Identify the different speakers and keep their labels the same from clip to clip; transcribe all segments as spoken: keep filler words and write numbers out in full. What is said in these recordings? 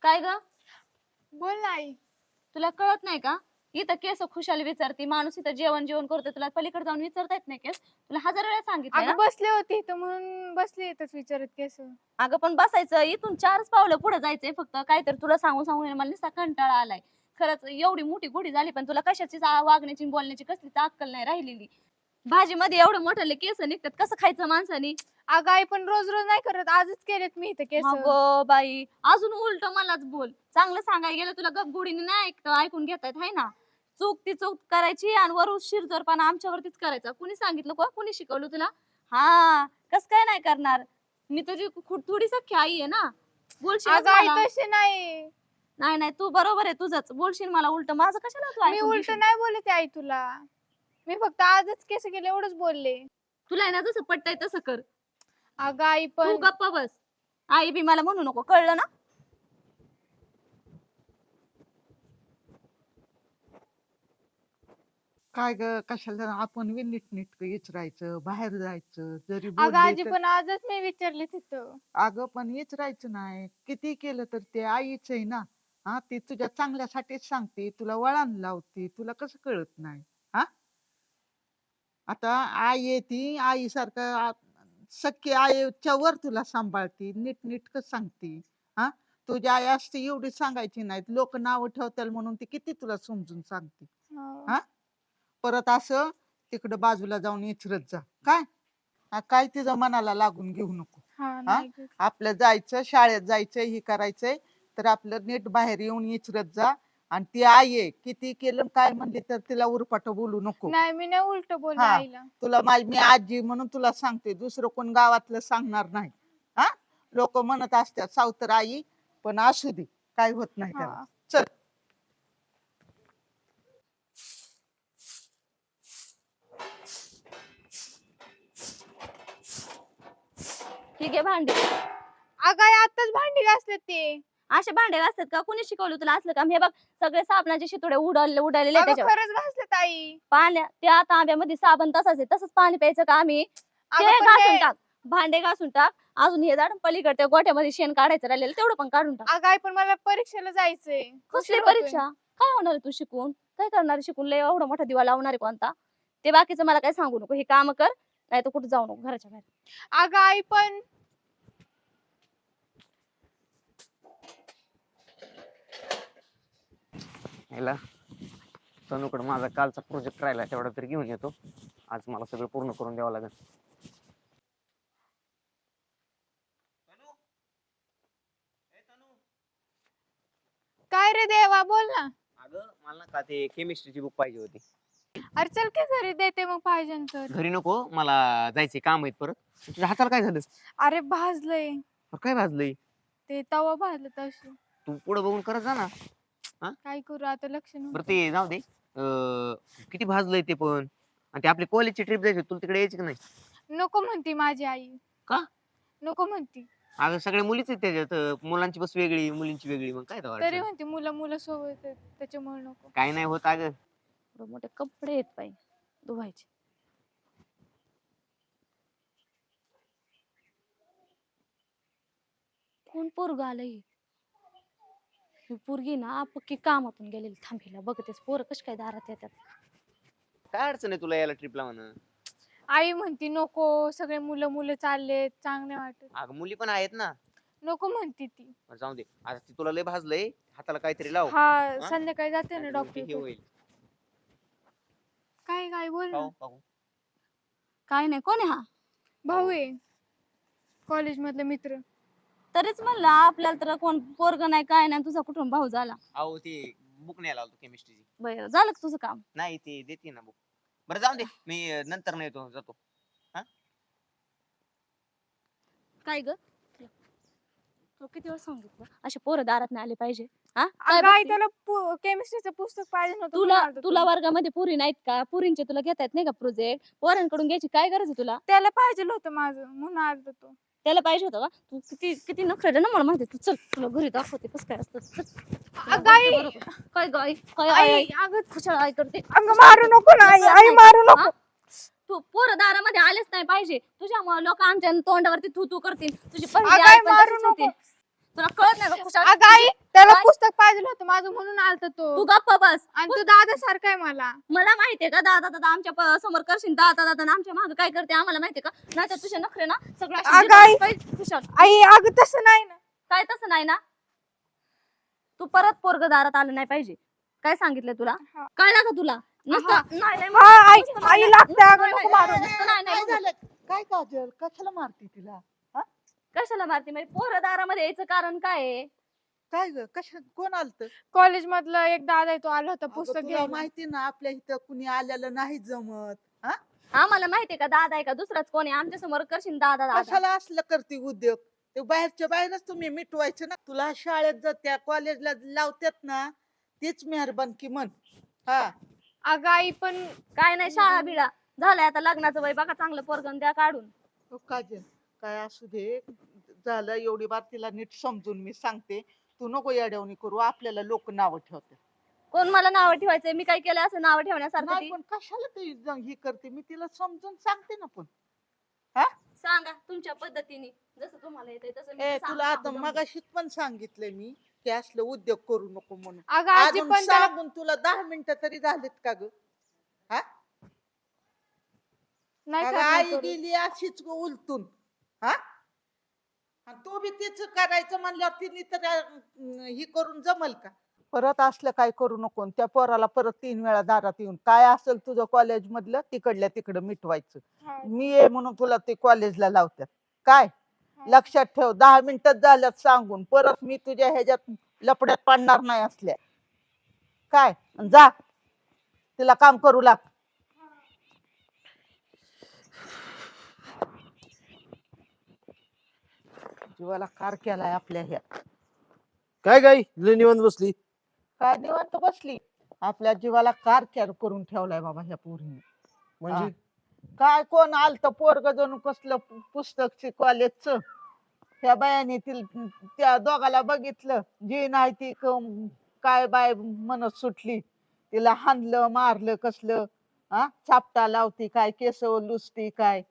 Speaker 1: काय ग?
Speaker 2: बोल ना आई.
Speaker 1: तुला कळत नाही का? इथं केस खुशाली विचारती, माणूस इथं जेवण जेवण करतो, तुला पलीकडे जाऊन विचारता येत नाही केस? तुला हजार वेळा सांगितलं ना.
Speaker 2: अगं बसले होते इथं म्हणून बसले इथंच विचारत केस.
Speaker 1: अगं पण बसायचं, इथून चारच पावलं पुढे जायचंय फक्त. काहीतरी तुला सांगून सांगून मला नुसता कंटाळा आलाय. खरंच एवढी मोठी गुढी झाली पण तुला कशाची चा- वागण्याची बोलण्याची कसलीच अक्कल नाही राहिलेली. भाजीमध्ये एवढं मोठं केस निघतात, कसं खायचं माणसाने?
Speaker 2: अगं आई पण रोज रोज नाही करत, आजच केलेत मी इथं केस.
Speaker 1: अगं बाई, अजून उलट मलाच बोल. चांगलं सांगायला गेलं तुला गपगुडीने नाही ऐकत ऐकून घेतात हाय ना. चूक ती चूक करायची आणि वरून शिरजोरपणा आमच्यावरतीच करायचा. कुणी सांगितलं का? कुणी शिकवलं तुला? हा, कस काय नाही करणार? मी तुझी खु- थोडी सख्खी आई आहे ना. बोलशील
Speaker 2: अगं आई
Speaker 1: मला.
Speaker 2: तसे नाही,
Speaker 1: नाही नाही, तू बरोबर आहे तुझंच. बोलशील मला उलट, माझं कशाला तू
Speaker 2: मी
Speaker 1: ऐकून
Speaker 2: उलट
Speaker 1: घेशील?
Speaker 2: नाही बोलते आई तुला. मी फक्त आजच केस केले एवढंच बोलले.
Speaker 1: तुला आहे ना जसं पटतंय तसं कर.
Speaker 2: अगं आई
Speaker 1: तू
Speaker 2: पण
Speaker 1: गप्पा बस. आई बी मला म्हणू नको, कळलं ना?
Speaker 3: काय ग, कशाला आपण बी नीटनीटकं विचारायचं, बाहेर जायचं, जरी
Speaker 2: अगं
Speaker 3: बोलले
Speaker 2: आजी
Speaker 3: तर
Speaker 2: पण आजच मी विचारले तिथं.
Speaker 3: अगं पण विचारायचं नाही. किती केलं तर ते आईच आहे ना. हा, ती तुझ्या चांगल्यासाठीच सांगते, तुला वळण लावते, तुला कसं कळत नाही? हा, आता आई आहे ती आईसारखं आ- सख्खी आईच्या वर तुला सांभाळते, नीटनीटकं सांगते. हा, तुझी आई असते एवढी सांगायची नाही. लोक नाव ठेवतील म्हणून ती किती तुला समजून सांगते.
Speaker 2: हो.
Speaker 3: हा, परत असं तिकडं बाजूला जाऊन इचरत जा. काय हा, काय तिचं मनाला लागून घेऊ नको.
Speaker 2: हा
Speaker 3: हा,
Speaker 2: नाही गं.
Speaker 3: आपलं जायचं, शाळेत जायचं, हे करायचंय तर आपलं नीट बाहेर येऊन इचरत जा. आणि ती आई आहे, किती केलं काय म्हणले तर तिला उरपाट बोलू नको.
Speaker 2: नाही मी नाही उलट बोलले
Speaker 3: हा,
Speaker 2: आईला.
Speaker 3: तुला माझी मी आजी म्हणून तुला सांगते, दुसरं कोण गावातलं सांगणार नाही. हा, लोक म्हणत असतात सावतर आई, पण असू दे, काय होत नाही त्याला.
Speaker 2: हा.
Speaker 3: चल.
Speaker 1: ठीक आहे भांडे.
Speaker 2: अगं आई आताच भांडी घासले ते.
Speaker 1: असे भांडे घासतात का? कुणी शिकवलं तुला असलं काम? हे बघ, सगळे साबणाचे शितोडे उडले उडालेले
Speaker 2: अगं
Speaker 1: त्याच्यावर.
Speaker 2: खरंच घासले ताई.
Speaker 1: पाण्या त्या तांब्यामध्ये साबण तसाच आहे, तसंच पाणी प्यायचं का आम्ही? ते
Speaker 2: अगं पण
Speaker 1: घासून
Speaker 2: ते-
Speaker 1: टाक, भांडे घासून टाक. अजून हे झाड पलीकडे गोठ्यामध्ये शेण काढायचं राहिलेलं तेवढं पण काढून टाक.
Speaker 2: अगं आई पण मला परीक्षेला जायचंय.
Speaker 1: कसली
Speaker 2: उशीर होतोय.
Speaker 1: परीक्षा? काय होणार आहे तू शिकून? काय करणार आहे शिकून? लय एवढा मोठा दिवा लावणार आहे कोणता? ते बाकीचं मला काय सांगू नको. हे काम कर, नाही तर कुठे जाऊ नको घराच्या बाहेर.
Speaker 2: अगं आई पण
Speaker 4: ह्याला तनुकडे माझा कालचा प्रोजेक्ट राहिला, तेवढा तरी घेऊन येतो. आज मला सगळं पूर्ण करून द्यावं लागेल.
Speaker 2: काय रे देवा बोल ना.
Speaker 4: अगं मला ना का ते केमिस्ट्रीची बुक पाहिजे होती.
Speaker 2: अरे चल की घरी देते मग पाहिजे तर.
Speaker 4: घरी नको, मला जायचे काम आहेत परत. तुझ्या हाताला काय झालं?
Speaker 2: अरे भाजलंय
Speaker 4: अरे काय भाजलंय?
Speaker 2: ते तवा भाजलं तशी.
Speaker 4: तू पुढे बघून करत जा ना.
Speaker 2: काय करू आता लक्ष
Speaker 4: बरं
Speaker 2: नव्हतं.
Speaker 4: ते जाऊ दे. अं, किती भाजलंय ते पण. आणि ते आपली कॉलेजची ट्रिप जायची, तुला तिकडे यायची की नाही?
Speaker 2: नको म्हणती माझी आई.
Speaker 4: का?
Speaker 2: नको म्हणती.
Speaker 4: अगं सगळ्या मुलीच आहेत त्याच्यात. अं, मुलांची बस वेगळी, मुलींची वेगळी. मग काय तेव्हा
Speaker 2: तरी
Speaker 4: अडचण?
Speaker 2: म्हणते मुलं मुलं सोबत आहेत, त्याच्यामुळे नको.
Speaker 4: काय नाही होत अगं.
Speaker 1: एवढे मोठे कपडे आहेत बाई धुवायचे. कोण पोरग आलंय? ही पोरगी ना पक्की कामातून गेलेली. थांबीला बघतेस पोरं कशी काय दारात येतात.
Speaker 4: काय अडचण आहे तुला यायला ट्रिपला म्हणा?
Speaker 2: आई म्हणती नको, सगळे मुलं मुलं चाललेत, चांगले वाटत.
Speaker 4: अगं मुली पण आहेत ना.
Speaker 2: नको म्हणती ती.
Speaker 4: बरं जाऊ दे, आता ती तुला लय भाजलंय, हाताला काहीतरी लाव.
Speaker 2: हा संध्याकाळी जाते ना
Speaker 4: नाहीतर मग ते हे
Speaker 2: डॉक्टर.
Speaker 4: होईल.
Speaker 2: काय काय बोल ना.
Speaker 4: पाहू, पाहू.
Speaker 1: काय नाही, कोण आहे हा?
Speaker 2: भाऊ आहे कॉलेज मधले मित्र.
Speaker 1: तरीच म्हणलं आपल्याला तर कोण पोरग नाही काय नाही, तुझा कुठून भाऊ झाला?
Speaker 4: अहो ते बुक न्यायला आलो केमिस्ट्रीची.
Speaker 1: बरं झालं का तुझं काम?
Speaker 4: नाही ते देते ना बुक. बरं जाऊ दे, मी अं, नंतर नाही येतो, जातो.
Speaker 1: काय ग? तुला किती वेळ सांगितलं असे पोरं दारात नाही आले पाहिजे? हा काय
Speaker 2: अगं आई
Speaker 1: बघती?
Speaker 2: त्याला केमिस्ट्रीचं पुस्तक पाहिजे नव्हतं
Speaker 1: तुला
Speaker 2: म्हणून आलतो
Speaker 1: तुला
Speaker 2: तो.
Speaker 1: वर्गामध्ये पुरी नाहीत का? पुरींचे तुला घेता येत नाही का प्रोजेक्ट? पोरांकडून घ्यायची काय गरज आहे तुला?
Speaker 2: त्याला पाहिजे होतं माझं म्हणून आलतो तो.
Speaker 1: त्याला पाहिजे होतं का? तू किती किती नखरे ना मला माहिती. तू चल, तुला घरी दाखवते कसं काय असतं. चल. तुला
Speaker 2: अगं आई,
Speaker 1: बोलते बरोबर. काय गाय काय आई
Speaker 2: आई
Speaker 1: आई
Speaker 2: अगं
Speaker 1: खुशाल आई करते.
Speaker 2: अगं मारू नको ना आई, आई मारू नको.
Speaker 1: हा? तू पोरं दारामध्ये आलेच नाही पाहिजे. तुझ्यामुळे लोक आमच्या तोंडावरती थू थू करतील. तुझी पहिली
Speaker 2: अगं
Speaker 1: आई
Speaker 2: आई
Speaker 1: पण
Speaker 2: मारू
Speaker 1: तशीच होती.
Speaker 2: नको.
Speaker 1: तुला कळत नाही का खुशाल?
Speaker 2: अगं आई त्याला
Speaker 1: काय?
Speaker 2: पुस्तक पाहिजे होतं माझं म्हणून आलता
Speaker 1: तू
Speaker 2: तो
Speaker 1: गप्प बस.
Speaker 2: आणि तो दादा सारखा आहे मला.
Speaker 1: मला माहितीये का दादा दादा आमच्या प- समोर करशील दादा दादा आणि आमच्या मागे काय करते आम्हाला माहितीये का? नाही तर तुझे नखरे ना सगळं असे
Speaker 2: अगं
Speaker 1: जिरवले
Speaker 2: आई.
Speaker 1: पाहिजे, खुशाल.
Speaker 2: आई अगं तसं नाही ना.
Speaker 1: काय तसं नाही ना? तू परत पोरग दारात आलं नाही पाहिजे. काय सांगितलं तुला?
Speaker 2: हा.
Speaker 1: कळलं का तुला? नुसतं
Speaker 2: हा.
Speaker 1: नाही नाही
Speaker 2: हा, आई
Speaker 1: नुसतं
Speaker 2: आई
Speaker 1: नाही,
Speaker 2: लागते
Speaker 1: नुसतं
Speaker 2: अगं
Speaker 1: नाही,
Speaker 2: नको
Speaker 1: नाही,
Speaker 2: मारू.
Speaker 1: नुसतं नाही, नाही,
Speaker 3: काय झालं काय काजल कशाला मारती तिला?
Speaker 1: कशाला मारते म्हणजे पोरं दारामध्ये यायचं कारण काय आहे?
Speaker 3: काय ग कशा कोण आलत?
Speaker 2: कॉलेज मधला एक दादा आहे तो आला होता पुस्तक
Speaker 3: तुला
Speaker 2: घ्यायला.
Speaker 3: माहिती ना आपल्या इथं कुणी आलेलं नाही जमत. हा
Speaker 1: आम्हाला माहितीये का दादा आहे का दुसराच कोणी आमच्या समोर करशील दादा दादा.
Speaker 3: कशाला असलं करते उद्योग? ते बाहेरच्या बाहेरच तुम्ही मिटवायचं ना. तुला शाळेत जात्या कॉलेजला लावत्यात ना तीच मेहरबानकी म्हण. हा
Speaker 2: अगं आई पण
Speaker 1: काय नाही शाळा बिळा झालंय आता लग्नाचं वय बघा चांगलं पोरगण द्या काढून.
Speaker 3: हो काजल काय असू दे झालं एवढी बार तिला नीट समजून मी सांगते. तू नको येड्यावणी करू आपल्याला लोक नाव ठेवतात.
Speaker 1: कोण मला नाव ठेवायचंय मी काय केलं असं नाव ठेवण्यासारखं
Speaker 3: नाही
Speaker 1: ती?
Speaker 3: पण कशाला ते ज- हे करते मी तिला समजून सांगते ना पण.
Speaker 1: सांगा तुमच्या पद्धतीने जसं तुम्हाला येतंय तसं मी
Speaker 3: ए
Speaker 1: सांग-
Speaker 3: तुला आता
Speaker 1: सांगू दम.
Speaker 3: मगाशीच पण सांगितलंय मी की असलं उद्योग करू नको म्हणून.
Speaker 2: अगं आजी
Speaker 3: अजून
Speaker 2: पण त्याला
Speaker 3: सांगून तुला दहा मिनिटं तरी झालीत का ग?
Speaker 2: नाही
Speaker 3: अगं,
Speaker 2: करणार
Speaker 3: आई
Speaker 2: करू.
Speaker 3: गेली अशीच ग उलटून. हा आणि तू बी तेच करायचं म्हणल्यावर तिने तर अं, ही करून जमल का? परत असलं काय करू नको. त्या पोराला परत तीन वेळा दारात येऊन काय असेल तुझं कॉलेज मधलं तिकडल्या तिकडं मिटवायचं.
Speaker 2: हा.
Speaker 3: मी ये म्हणून तुला ते कॉलेजला लावतात काय?
Speaker 2: हा.
Speaker 3: लक्षात ठेव दहा मिनिटात झाल्यात सांगून परत मी तुझ्या ह्याच्यात लपड्यात पडणार नाही असल्या काय. अन जा तिला काम करू लाग. जीवाला कार केलाय आपल्या ह्या.
Speaker 5: काय काय लय निवांत बसली.
Speaker 3: काय निवांत बसली. आपल्या जीवाला कार केअर करून ठेवलाय बाबा ह्या पोरीने.
Speaker 5: म्हणजे
Speaker 3: काय कोण आलत पोरग जणू कसलं पु- पुस्तक कॉलेजच. त्या बायाने ती त्या दोघाला बघितलं जी नाही ती क- काय बाय म्हणत सुटली. तिला हाणलं मारलं कसलं. हा चापटा लावती काय केस लुसती काय.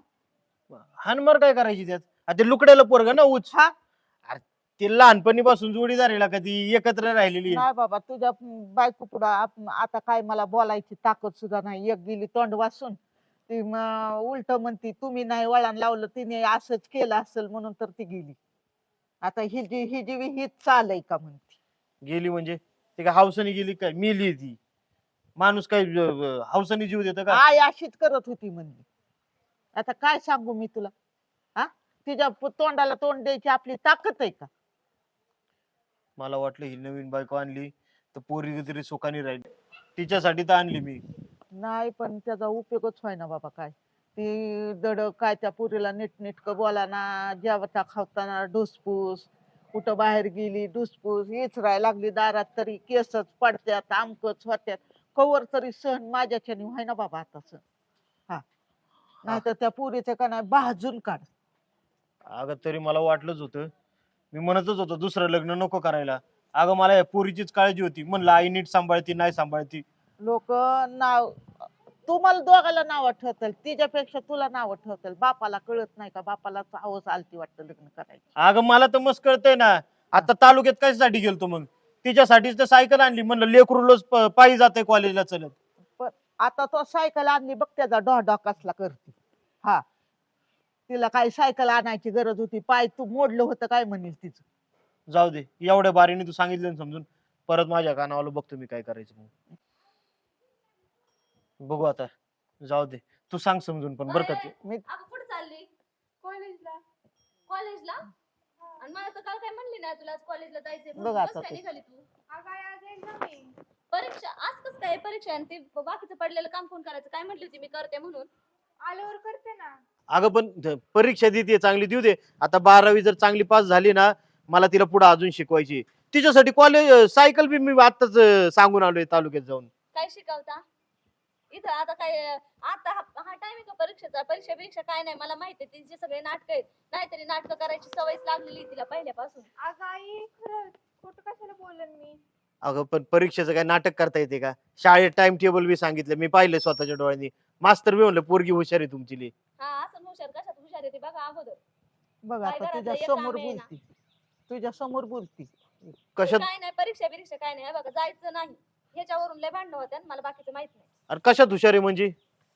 Speaker 5: हानमार काय करायची त्यात? आ ते लुकड्याला पोरग ना उच.
Speaker 3: हा
Speaker 5: ते लहानपणीपासून जोडीदारीला कधी एकत्र राहिलेली आहे.
Speaker 3: नाही बाबा तुझ्या बायको पुढं आप- आता काय मला बोलायची ताकद सुद्धा नाही. एक गेली तोंड वासून ती उलट म्हणती तुम्ही नाही वळण लावलं तिने असंच केलं असेल म्हणून तर ती गेली. आता ही जी ही जी हीच चाल आहे का म्हणती.
Speaker 5: गेली म्हणजे ते काय हौसाने गेली काय? मेली ती. माणूस काय अं, हौसाने जीव देतं का?
Speaker 3: आई अशीच करत होती म्हणली. आता काय सांगू मी तुला. हा तिच्या पु- तोंडाला तोंड द्यायची आपली ताकद आहे का?
Speaker 5: मला वाटलं ही नवीन बायको आणली तर पोरी तरी सुखाने राहिली. तिच्यासाठी तर आणली मी.
Speaker 3: नाही पण त्याचा उपयोगच व्हाय ना बाबा काय. ती दड काय त्या पुरीला नीटनीटकं बोला ना जेवता खावताना ढुसपूस कुठं बाहेर गेली ढुसपूस हीच राहायला लागली दारात तरी केसच पडत्यात आमकच होत्यात. कवर तरी सहन माझ्याच्याने व्हाय ना बाबा आता सहन. हा नाहीतर त्या पुरीचं का नाही भाजून काढ.
Speaker 5: अगं तरी मला वाटलंच होतं. मी म्हणतच होतो दुसरं लग्न नको करायला. अगं मला या पोरीचीच काळजी होती. म्हणलं आई नीट सांभाळती नाही सांभाळती.
Speaker 3: लोक नाव तुम्हाला दोघाला नाव ठेवतील तिच्यापेक्षा तुला नाव ठेवतील. बापाला कळत नाही का? बापाला हवस आलती वाटतं लग्न करायची.
Speaker 5: अगं मला तर मस्त कळतंय ना. आता तालुक्यात कशासाठी गेलतो मग? तिच्यासाठीच तर सायकल आणली. म्हणलं लेकरू रोज प- पायी जाते कॉलेजला चलत.
Speaker 3: पण आता तो सायकल आणली बघ त्याचा डॉ कसला करते. हा तिला काही सायकल आणायची गरज होती. पाय तू मोडलं होतं काय म्हणेल तिचं.
Speaker 5: जाऊ दे एवढ्या बारीने तू सांगितलं ना समजून. परत माझ्या कानावर बघतो मी काय करायचं मग. बघू आता. जाऊ दे तू सांग समजून पण बरं का ते.
Speaker 3: मी
Speaker 1: अगं कुठं चालली?
Speaker 2: कॉलेजला.
Speaker 1: कॉलेजला? आणि मला तर काल काय म्हणली नाही तुला आज कॉलेजला जायचंय
Speaker 3: बघ
Speaker 1: म्हणून.
Speaker 3: आता
Speaker 1: कसं काय
Speaker 3: ते.
Speaker 1: निघाली तू?
Speaker 2: अगं आई आज एक्झाम आहे.
Speaker 1: परीक्षा आज कसं काय परीक्षा आहे आणि ते बाकीचं पडलेलं काम कोण करायचं? काय म्हटली होती मी करते म्हणून.
Speaker 2: आल्यावर करते ना.
Speaker 5: अगं पण ध- परीक्षा देते चांगली देऊ दे. आता बारावी जर चांगली पास झाली ना मला तिला पुढे अजून शिकवायची. तिच्यासाठी कॉलेज सायकल बी मी आताच सांगून आलोय तालुक्यात जाऊन.
Speaker 1: काय शिकवता इथं आता काय आता हा हा टाइम आहे का परीक्षेचा? परीक्षा परीक्षा काय नाही मला माहिती आहे. तिचे सगळे नाटक आहेत. नाहीतरी नाटक करायची सवयच लागलेली आहे तिला पहिल्यापासून.
Speaker 2: अगं आई खरंच खोटं कशाला बोलन मी.
Speaker 5: अगं पण परीक्षेचं काय नाटक करता येते का? शाळेत टाइम टेबल बी सांगितलं मी पाहिलं स्वतःच्या डोळ्यांनी. मास्तर बी म्हणलं पोरगी हुशार आहे तुमची लई.
Speaker 1: हा असं हुशार कशात हुशार आहे ते बघा अगोदर.
Speaker 3: बघ
Speaker 1: काय
Speaker 3: आता
Speaker 1: घरातलं
Speaker 3: तुझ्या
Speaker 1: एक
Speaker 3: समोर
Speaker 1: काम आहे ना.
Speaker 3: बोलती. तुझ्या समोर बोलती.
Speaker 5: कशात
Speaker 1: काय नाही परीक्षा बिरीक्षा काय नाही हे बघा जायचं नाही ह्याच्यावरून लय भांडणं होत्या मला बाकीचं माहित नाही.
Speaker 5: अरे कशात हुशार आहे म्हणजे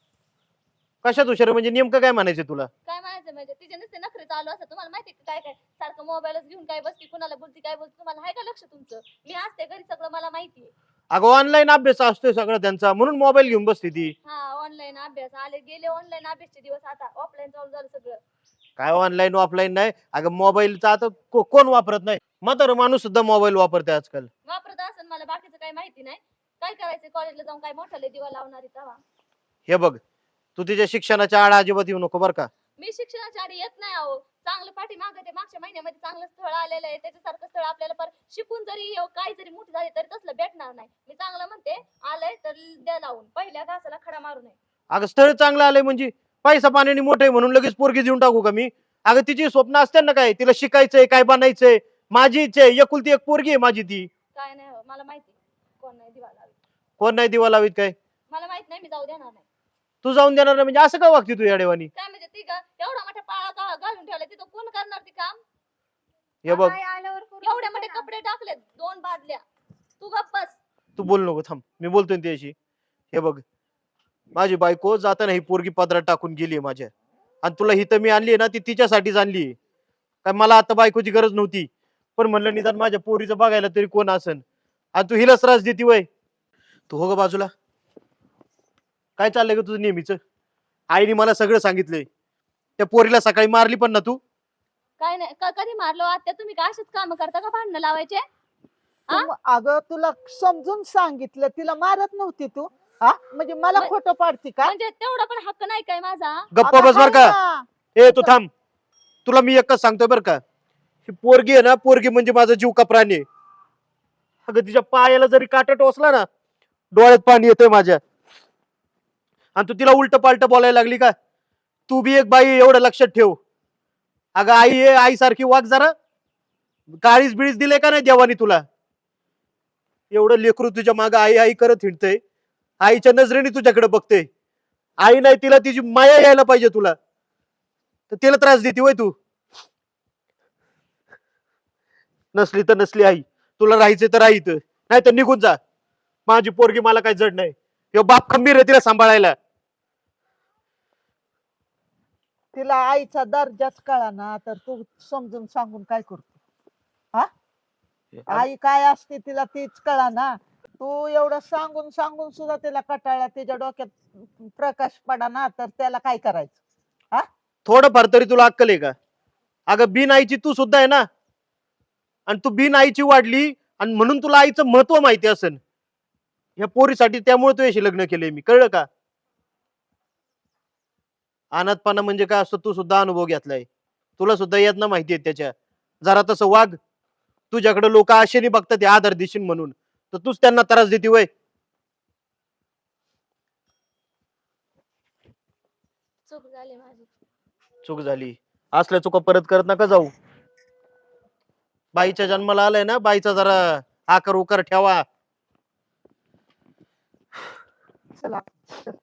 Speaker 5: कशात हुशार आहे म्हणजे नेमकं काय म्हणायचं तुला?
Speaker 1: काय म्हणायचं म्हणजे तिचे नुसते नखरे चालू असतात तुम्हाला माहिती का काय काय सारखं मोबाईलच घेऊन काय बसती कुणाला बोलती काय बोलती तुम्हाला आहे का लक्ष तुमचं मी असते घरी सगळं मला माहितीये.
Speaker 5: अगं ऑनलाईन अभ्यास असतोय सगळं त्यांचा म्हणून मोबाईल घेऊन बसते ती.
Speaker 1: हा ऑनलाईन अभ्यास आले गेले ऑनलाईन अभ्यासचे दिवस आता ऑफलाईन चालू झालं सगळं.
Speaker 5: काय ऑनलाईन ऑफलाईन नाही अगं मोबाईलचा आता को- कोण वापरत नाही म्हातारं माणूस सुद्धा मोबाईल वापरते आजकाल.
Speaker 1: वापरत असेल मला बाकीचं काही माहिती नाही काय करायचं कॉलेजला जाऊन काय मोठाले दिवा लावणारी तवा.
Speaker 5: हे बघ तू तिच्या शिक्षणाच्या आड अजिबात येऊ नको बरं का.
Speaker 1: मी शिक्षणाच्या आधी येत नाही अहो चांगलं पाठी मागं ते मागच्या महिन्यामध्ये चांगलं स्थळ आलेलं आहे त्याच्यासारखं स्थळ आपल्याला पर शिकून जरी येऊ, काय जरी मोठी झाली तरी तसलं भेटणार नाही. मी चांगलं म्हणते आलंय तर द्या लावून पहिल्या घासाला खडा मारू नये.
Speaker 5: अगं स्थळ चांगलं आलंय म्हणजे पैसा पाण्याने मोठे म्हणून लगेच पोरगी देऊन टाकू का मी? अगं तिची स्वप्न असते ना काय तिला शिकायचंय काय बनायचंय माझी इच्छा आहे एकुलती एक पोरगी आहे माझी ती.
Speaker 1: काय नाही हो, मला माहिती कोण नाही दिवा लावी
Speaker 5: कोण नाही दिवा लावीत काय?
Speaker 1: मला माहित नाही मी जाऊ देणार नाही.
Speaker 5: तू जाऊन देणार नाही म्हणजे असं का वागते तू या देवानी?
Speaker 1: काय म्हणजे ती का एवढा मोठा पाळा का घालून ठेवला तिथं कोण करणार ती काम.
Speaker 5: हे बघ
Speaker 2: आई आल्यावर करू
Speaker 1: एवढे मोठे
Speaker 2: नका.
Speaker 1: कपडे टाकलेत दोन बादल्या तू गप्प बस.
Speaker 5: तू बोल नको थांब मी बोलतोय ना त्याशी. हे बघ माझी बायको जाताना ही पोरगी पदरात टाकून गेली माझ्या आणि तुला हिथं मी आणली ना ती तिच्यासाठीच आणली काय मला आता बायकोची गरज नव्हती पण म्हणलं निदान माझ्या पोरीचं बघायला तरी कोण असन आणि तू हिलाच त्रास देती वय. तू हो ग बाजूला काय चाललंय ग तुझं नेहमीच? आईने मला सगळं सांगितलंय त्या पोरीला सकाळी मारली पण ना तू.
Speaker 1: काय नाही क- कधी मारलो आत्या तुम्ही का असेच काम करता का भांडणं लावायचे. आ?
Speaker 3: तुम- अगं तुला समजून सांगितलं तिला मारत नव्हती तू हा म्हणजे मला
Speaker 1: मग-
Speaker 3: खोटं पाडती का?
Speaker 1: म्हणजे तेवढा पण हक्क नाही काय माझा.
Speaker 5: गप्पा
Speaker 3: अगं
Speaker 5: बस बर
Speaker 3: हाय
Speaker 5: का.
Speaker 3: ना.
Speaker 5: ए तू थांब तुला मी एकच सांगतोय बर का ही पोरगी आहे ना पोरगी म्हणजे माझा जीव का प्राणी आहे. अगं तिच्या पायाला जरी काटा टोचला ना डोळ्यात पाणी येतंय माझ्या आणि तू तिला उलट पालट बोलायला लागली का? तू बी एक बाई आहे, एवढं लक्षात ठेव. अगं आई आहे आई सारखी वाग जरा. काळीच बिळीच दिले का नाही देवानी तुला? एवढं लेकरू तुझ्या मागं आई आई करत हिंडतंय आईच्या नजरेने तुझ्याकडे बघते. आई नाही तिला तिची माया यायला पाहिजे तुला तर तिला त्रास देते वय तू. नसली तर नसली आई तुला राहायचं तर राहायचं नाही तर निघून जा. माझी पोरगी मला काही जड नाही ह्यो बाप खंबीर आहे तिला सांभाळायला.
Speaker 3: तिला आईचा दर्जाच कळा ना तर तू समजून सांगून काय करतो हा? आई काय असते तिला तीच कळा ना. तू एवढं सांगून सांगून सुद्धा तिला कटाळा तिच्या डोक्यात प्रकाश पडा ना तर त्याला काय करायचं?
Speaker 5: थोडंफार तरी तुला अक्कल आहे का? अगं बिन आईची तू सुद्धा आहे ना आणि तू बिन आईची वाढली आणि म्हणून तुला आईचं महत्व माहिती असेल. ह्या पोरीसाठी त्यामुळे तू याशी लग्न केलंय मी कळलं का? अनाथपणा म्हणजे काय असतं तू सुद्धा अनुभव घेतलाय तुला सुद्धा यातना माहिती आहे त्याच्या. जरा तसं वाग. तुझ्याकडे लोक आशेने बघतात हे आधार देशील म्हणून तर तूच त्यांना त्रास देते वय.
Speaker 1: चूक झाली माझी.
Speaker 5: चूक झाली असल्या चुका परत करत नका जाऊ. बाईच्या जन्माला आलाय ना बाईचा जरा आकार उकार ठेवा.
Speaker 3: चला